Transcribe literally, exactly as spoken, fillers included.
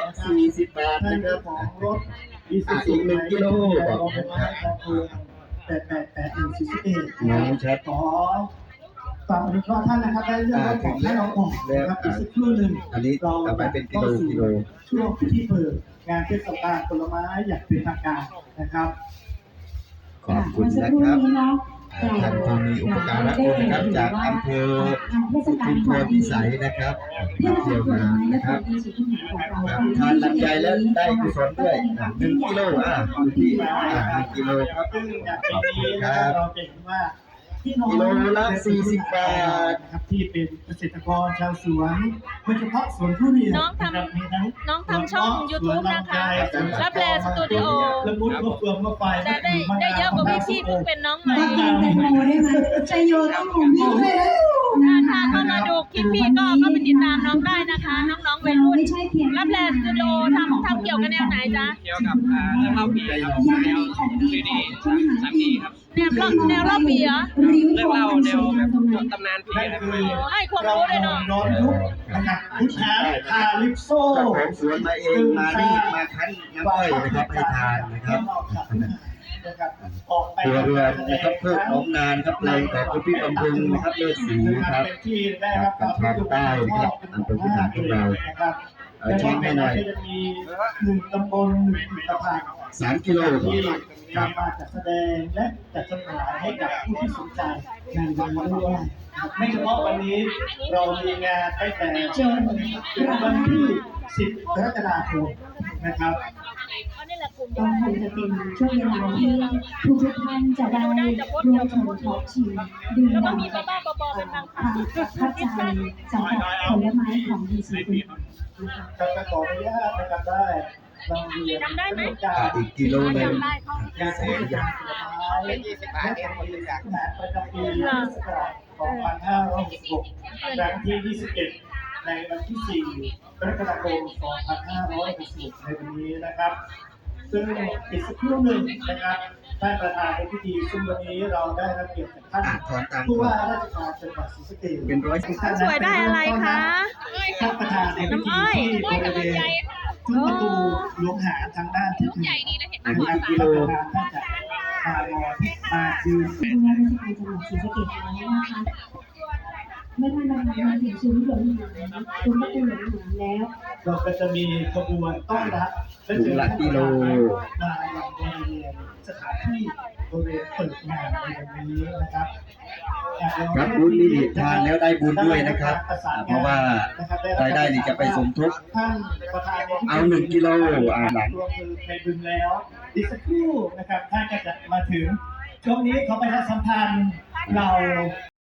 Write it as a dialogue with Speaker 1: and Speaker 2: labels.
Speaker 1: สี่สิบบาทนะครับ
Speaker 2: ของรถ
Speaker 1: อีกหนึ่งกิโลบอก
Speaker 2: แปดแปดแปดหนึ่งสี่สิบเอ็ด
Speaker 1: น้องชัด
Speaker 2: ขอฝากอนุเคราะห์ท่านนะครับได้เรื่องรถของให้เราออกนะครับอีกสักครู่หนึ่ง
Speaker 1: อันนี้เอาไปเป็นกิโลกิโล
Speaker 2: ช่วงพิธีเปิดงานเทศกาลผลไม้อย่างเป็นทางการนะครับ
Speaker 1: ขอบคุณนะครับท่านผู้มีอุปการะคุณนะครับจากอำเภอชุมพรพิสัยนะครับมาเที่ยวงานนะครับทานลำไยแล้วได้กุศลด้วยหนึ่งกิโลอ่ะอยู่ที่อ่าหนึ่งกิโลครับ
Speaker 2: ซึ่งอย่างปี
Speaker 1: ขอบคุ
Speaker 2: นี้
Speaker 1: ณค
Speaker 2: นะ
Speaker 1: รับ
Speaker 2: เราจะเห็นว่าพี่น้อง
Speaker 1: กิโลละสี่สิบบาท
Speaker 2: นะครับที่เป็นเกษตรกรชาวสวนโดยเฉพาะสวนทุเรียน
Speaker 3: น้องทำ
Speaker 2: ะครับมีทั้ง
Speaker 3: น้องทำช่อง YouTube นะคะรับแลสตูดิโอ
Speaker 2: ละมุดมะเฟืองมะไฟ
Speaker 3: แต่ได้ได้เยอะกว่าพี่พี่เพิ่งเป็นน้องใหม่
Speaker 4: ต้องการแตงโมได้ไหมชัยโยต้องหมุนวิ่งด้วยแล้ว
Speaker 3: ถ้าถ้าเข้ามาดูคลิปพี่ก็ก็ไปติดตามน้องได้นะคะ น้องๆวัยรุ่น
Speaker 4: ไม่ใช่เพียง
Speaker 3: รับแลสตูดิโอทำทำเกี่ยวกับแนวไหนจ๊ะ
Speaker 5: เกี่ยวกับอ่าเรื่องเล่าผีครับ
Speaker 4: ยัง
Speaker 5: แน
Speaker 4: มี
Speaker 5: ว
Speaker 4: ของดี
Speaker 5: ซีดี
Speaker 4: ของคุณหา
Speaker 5: สามดีครับ
Speaker 3: แนวเล่าแนวเล่าผีเหรอ
Speaker 4: ริ้ว
Speaker 5: เรื่อง
Speaker 4: ทอง
Speaker 5: เล่า
Speaker 4: อัน
Speaker 5: แน
Speaker 4: ส
Speaker 5: ว
Speaker 4: วย
Speaker 5: แบ
Speaker 4: งาม
Speaker 5: บ
Speaker 4: ตรงนั้น
Speaker 5: ตำนานผี
Speaker 2: นั่น
Speaker 5: อะไรประ
Speaker 2: คื
Speaker 5: มาณ
Speaker 2: อ
Speaker 5: นี้
Speaker 3: ให้ความรู้เลยเนาะ
Speaker 2: ย้อนยุคนะครับพุทธาคาลิปโซ
Speaker 1: เจ้าของสวนมาเองมารีดมาคั้นน้ำอ้อยนะครับให้ทานนะครับ
Speaker 2: นะครับออกไป
Speaker 1: ครัวเรือนนะครับเพื่อของงานครับแรงของคุณพี่บำรุงนะครับเลือดสีครับ
Speaker 2: เป็นที่ได้รับความนิยม
Speaker 1: ใต้นะครับอำเภอพิหารของเรา
Speaker 2: นะครับ
Speaker 1: เอาชี้ให้หน่อย
Speaker 2: จะมีหนึ่งตำบลหนึ่งผลิตภัณฑ์
Speaker 1: สามกิโล
Speaker 2: ที่
Speaker 1: ครับ
Speaker 2: นำมาจัดแสดงและจัดจำหน่ายให้กับผู้ที่สนใจในวันนี้ด้วยนะครับไม่เฉพาะวันนี้เรามีงานตั้งแต่เชิญถึงวันที่สิบกรกฎาคมนะครับ
Speaker 3: อันนี้แหละกลุ่ม
Speaker 4: ก็คงจะเป็นช่วงเวลาที่ทุกทุกๆท่านจะได้รวมถึงท็อปชิมดื่ม
Speaker 3: แล้วก็
Speaker 4: ด่ำ
Speaker 3: มีบ้าๆบอๆเป็นบาง
Speaker 4: ค
Speaker 3: ครั้
Speaker 4: วาง มประทับใจสำหรับผลไม้ของดีซีฟู้ด
Speaker 2: ครับก็ขออนุญาตนะครับได้นำเรียน
Speaker 3: จำได้ไหม
Speaker 2: กา
Speaker 1: อ่าร อีกกิโลหนึ่ง
Speaker 3: จำได้เขา
Speaker 2: การแสดงผลไม้และผลไม้ประจำปีพุทธศักราชสองพันห้าร้อยหกสิบหกครั้งที่ยี่สิบเอ็ดในวันที่สี่กรกฎาคมสองพันห้าร้อยหกสิบหกในวันนี้นะครับ ซึ่งอีกสักครู่หนึ่งนะครับท่านประธานในพิธีซึ่งวันนี้เราได้รับเกียรติจากท่าน
Speaker 1: อ่ะถอนตาม
Speaker 2: ผู้ว่าราชการจังหวัดศรีสะเกษ
Speaker 1: เป็นร้อยสิบ
Speaker 3: สวยได้อะไรคะ
Speaker 2: ท่านประธานในพิธีที่บริเวณซุ้มประตูหลวงหาทางด้านที่หนึ่ง
Speaker 1: อันนี้กิโล
Speaker 2: ท่านจะมารอมายืน
Speaker 4: ผู้ว่าราชการจังหวัดศรีสะเกษแล้วนะคะเมื่อท่านประธานมาถึงซุ้มหลวงหางซุ้มประตูหลวงหางแล้ว
Speaker 2: เราก็จะมีขบวนต้อนรับและเจอท่านประธานมาอย่างบริเวณสถานที่บริเวณเปิดงานในวันนี้นะครับ
Speaker 1: ครับบุญนี่ทานแล้วได้บุญด้วยนะครับอ่าเพราะว่ารายได้นี่จะไปสมทบ
Speaker 2: ท่านประธานในพิธี
Speaker 1: เอาหนึ่งกิโลอ่าหลัง
Speaker 2: รวมมือในบึงแล้วอีกสักครู่นะครับท่านก็จะมาถึงช่วงนี้เขาไปทัสัมพันธ์เรา